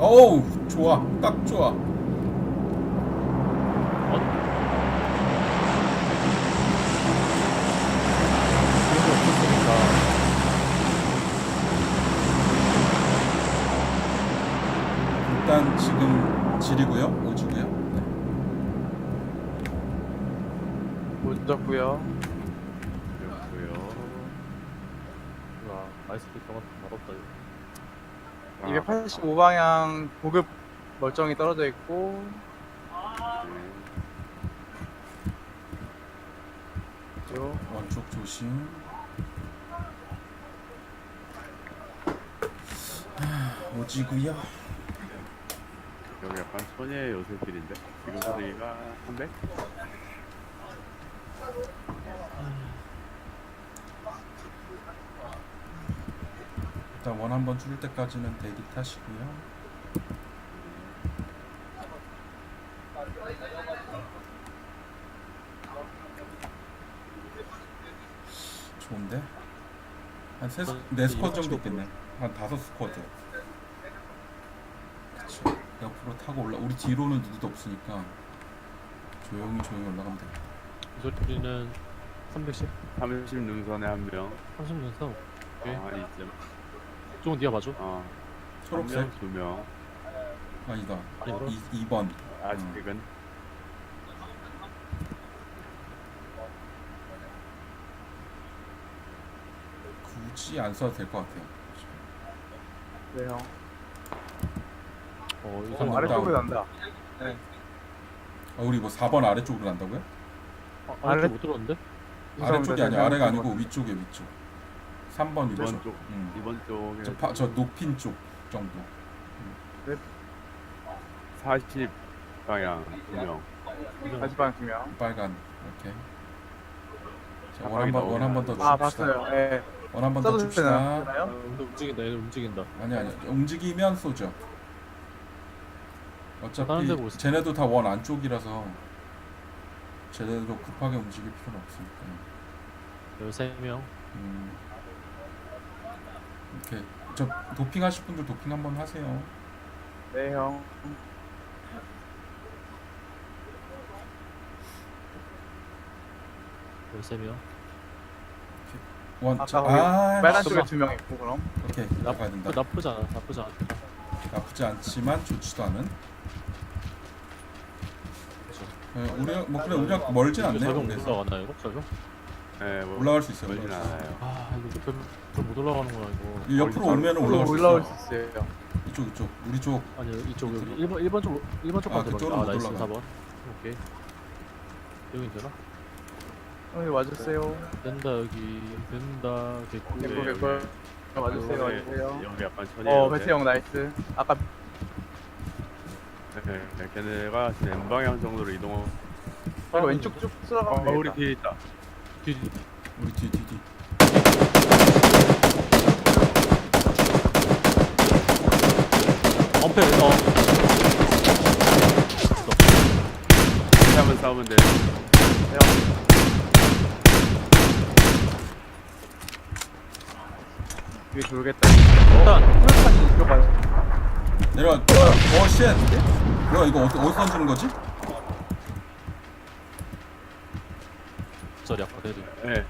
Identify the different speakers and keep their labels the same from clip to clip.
Speaker 1: 어우 좋아, 딱 좋아.
Speaker 2: 그런 게 없었으니까.
Speaker 1: 일단 지금 질이고요, 오지고요. 네.
Speaker 3: 못 잡고요.
Speaker 4: 그렇고요.
Speaker 2: 와, 아이스피커가 맛없다 이거.
Speaker 3: 285방향 고급 멀쩡히 떨어져 있고 요
Speaker 1: 원쪽 조심. 오지고요.
Speaker 4: 여기 약간 천혜의 요새길인데 지금 소리가 300?
Speaker 1: 일단 원 한번 줄 때까지는 대기 타시고요. 좋은데? 한 네 스쿼드 정도 있겠네. 한 5스쿼드. 그쵸. 옆으로 타고 올라. 우리 뒤로는 누구도 없으니까 조용히 올라가면 돼.
Speaker 2: 이 소리는 310?
Speaker 4: 30 능선에 한명
Speaker 2: 30년서. 오케이.
Speaker 4: 이쯤
Speaker 2: 조금 뒤에 봐줘.
Speaker 1: 초록색?
Speaker 4: 2명
Speaker 1: 아니다.
Speaker 2: 아니, 그럼?
Speaker 1: 2번.
Speaker 4: 아직은
Speaker 1: 굳이 안 써도 될 것 같아요.
Speaker 3: 네 형.
Speaker 2: 이
Speaker 1: 어,
Speaker 2: 사람
Speaker 3: 아래쪽으로 난다.
Speaker 1: 우리 뭐 4번 아래쪽으로 간다고요?
Speaker 2: 아래 못 들었는데?
Speaker 1: 아래쪽이 아니야. 아래가 아니고 위쪽에 위쪽. 3번 위쪽.
Speaker 4: 2번 쪽
Speaker 1: 음.
Speaker 4: 2번 쪽에
Speaker 1: 저 높인 쪽 정도.
Speaker 4: 40 방향 2명
Speaker 3: 다시 방향 2명.
Speaker 1: 빨간. 이렇게. 자,
Speaker 4: 가방이
Speaker 1: 원 한 번 더
Speaker 3: 아
Speaker 1: 줍시다.
Speaker 3: 봤어요. 예.
Speaker 1: 원 한 번 더
Speaker 3: 써도
Speaker 1: 줍시다.
Speaker 3: 되나요?
Speaker 2: 근데 움직인다, 얘는 움직인다.
Speaker 1: 아니 움직이면 쏘죠.
Speaker 2: 다른 데
Speaker 1: 어차피
Speaker 2: 보고 있어.
Speaker 1: 쟤네도 다 원 안쪽이라서 쟤네도 급하게 움직일 필요는 없으니까.
Speaker 2: 13명.
Speaker 1: 이렇게 저 도핑 하실 분들 도핑 한번 하세요.
Speaker 3: 네 형.
Speaker 2: 열세 명.
Speaker 1: 원.
Speaker 3: 아까 빨간 쪽에 2명 있고 그럼.
Speaker 1: 오케이 나가야 된다.
Speaker 2: 나쁘지 않아.
Speaker 1: 나쁘지 않지만 좋지도 않은. 우리 뭐 그래 우리가 멀진 않네요.
Speaker 2: 설명
Speaker 1: 그래서
Speaker 2: 올라가나 이거? 설명?
Speaker 4: 네, 뭐
Speaker 1: 올라갈 수 있어요.
Speaker 4: 멀진
Speaker 1: 올라갈 수 있어요.
Speaker 4: 않아요.
Speaker 2: 이거 별못 올라가는구나 이거.
Speaker 1: 이 옆으로 오면 올라갈 수
Speaker 3: 올라올
Speaker 1: 있어.
Speaker 3: 수 있어요.
Speaker 1: 이쪽 우리 쪽.
Speaker 2: 아니 이쪽 여기 1번 쪽 1번 쪽 가면
Speaker 1: 그쪽으로 못
Speaker 2: 나이스
Speaker 1: 올라가.
Speaker 2: 4번. 오케이. 여기 되나?
Speaker 3: 형이 와주세요.
Speaker 2: 된다 여기 된다 됐고.
Speaker 3: 됐고,
Speaker 4: 네,
Speaker 3: 됐고. 와주세요.
Speaker 4: 여기,
Speaker 3: 와주세요.
Speaker 4: 여기 약간 천혜의
Speaker 3: 배트 형 나이스. 아까
Speaker 4: 네, 걔네가 지금 N방향 정도로 이동하고
Speaker 3: 바로 왼쪽 쭉 쓸어가면
Speaker 4: 우리
Speaker 3: 되겠다.
Speaker 4: 뒤에 있다
Speaker 2: 뒤
Speaker 1: 우리 뒤.
Speaker 2: 엄폐
Speaker 4: 같이 한번 싸우면 돼
Speaker 3: 위에 돌겠다.
Speaker 2: 일단
Speaker 3: 풀판이 이쪽 가요.
Speaker 1: 내려와. 쉣. 뭐야 이거 어디서 던지는 거지?
Speaker 2: 저리 아까 내리.
Speaker 4: 네.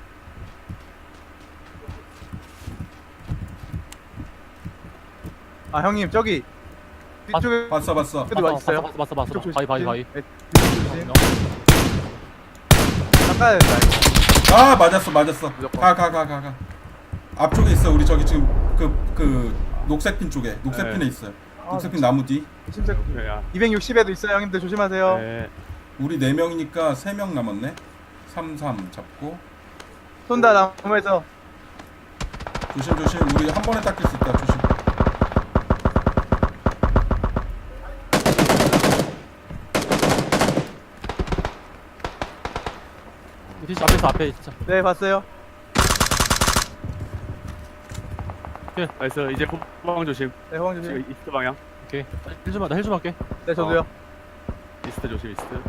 Speaker 3: 아 형님 저기 뒤쪽에
Speaker 1: 봤어.
Speaker 3: 그래도 맛있어요.
Speaker 2: 봤어.
Speaker 3: 뒤쪽 조심.
Speaker 2: 바이.
Speaker 3: 네, 뒤쪽 조심. 닦아야 된다 이거.
Speaker 1: 아 맞았어.
Speaker 3: 무조건.
Speaker 1: 가. 앞쪽에 있어. 우리 저기 지금 그 녹색 핀 쪽에. 녹색
Speaker 4: 네.
Speaker 1: 핀에 있어요.
Speaker 3: 아,
Speaker 1: 녹색 핀 나무 뒤.
Speaker 3: 심색
Speaker 4: 야,
Speaker 3: 260에도 있어요 형님들 조심하세요.
Speaker 4: 네.
Speaker 1: 우리 4명이니까 3명 남았네. 33 잡고.
Speaker 3: 쏜다 나무에서.
Speaker 1: 조심. 우리 한 번에 닦일 수 있다. 조심.
Speaker 2: 뒤 앞에 진짜.
Speaker 3: 네 봤어요.
Speaker 4: 나이스 이제 후방 조심
Speaker 3: 네 호방 조심.
Speaker 4: 지금 이스트 방향
Speaker 2: 오케이. 힐 좀 할게.
Speaker 3: 네 저도요.
Speaker 4: 이스트 조심 이스트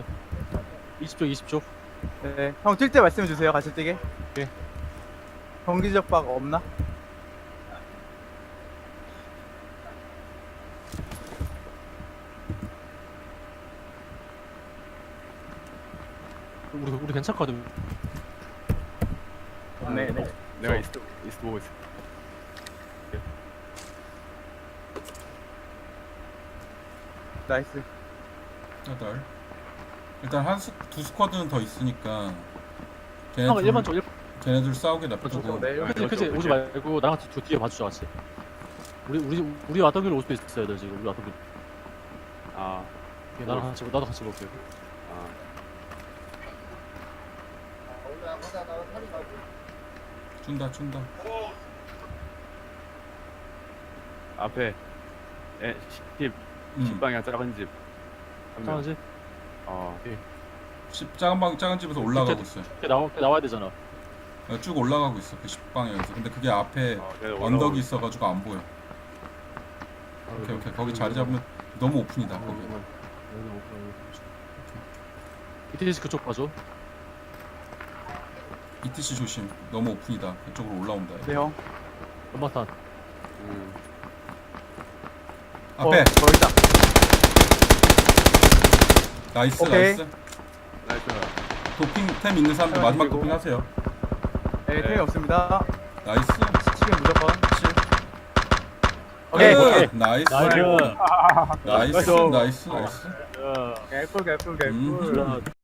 Speaker 2: 20쪽.
Speaker 3: 네. 형 뛸 때 말씀해 주세요. 같이 뛰게.
Speaker 2: 오케이.
Speaker 3: 경기적 박 없나?
Speaker 2: 우리 괜찮거든.
Speaker 3: 네네.
Speaker 4: 내가 이스트 보고 있어.
Speaker 3: 나이스.
Speaker 1: 여덟. 일단 두 스쿼드는 더 있으니까
Speaker 2: 형 1번 쪽 1번
Speaker 1: 걔네들 싸우게 놔두고.
Speaker 2: 쪽.
Speaker 3: 네,
Speaker 2: 그치
Speaker 4: 그렇죠,
Speaker 2: 그치
Speaker 4: 그렇죠.
Speaker 2: 오지 말고 나랑 같이 뒤에 봐주자 같이. 우리 왔던 길로 올 수도 있어야 돼 지금. 우리 왔던 길.
Speaker 4: 아,
Speaker 2: 나랑 같이 나도 같이 볼게.
Speaker 4: 아.
Speaker 1: 준다.
Speaker 4: 앞에 10 10방향 작은 집. 한 명.
Speaker 2: 상하지?
Speaker 4: 어.
Speaker 1: 작은 집에서 올라가고 있어요.
Speaker 2: 나와야 되잖아.
Speaker 1: 쭉 올라가고 있어. 그 10방향에서. 근데 그게 앞에
Speaker 4: 걔네 올라오고
Speaker 1: 언덕이 있어가지고 안 보여. 오케이. 거기 자리 잡으면 너무 오픈이다. 거기.
Speaker 2: ETC 그쪽 봐줘.
Speaker 1: ETC 조심. 너무 오픈이다. 그쪽으로 올라온다.
Speaker 3: 네 형.
Speaker 2: 연막탄.
Speaker 1: 앞에
Speaker 3: 거기다.
Speaker 1: 나이스.
Speaker 3: 오케이.
Speaker 4: 나이스.
Speaker 1: 도핑 템 있는 사람들 마지막
Speaker 3: 그리고-
Speaker 1: 도핑 하세요.
Speaker 3: 네, 템이 없습니다.
Speaker 1: 나이스.
Speaker 3: 치킨 무조건.
Speaker 1: 7.
Speaker 3: 오케이.
Speaker 2: 오케이.
Speaker 1: 나이스.
Speaker 2: 나이스.
Speaker 1: 나이스.
Speaker 4: 나이스.
Speaker 1: 나이스.
Speaker 2: 야.
Speaker 3: 개꿀.
Speaker 1: 음.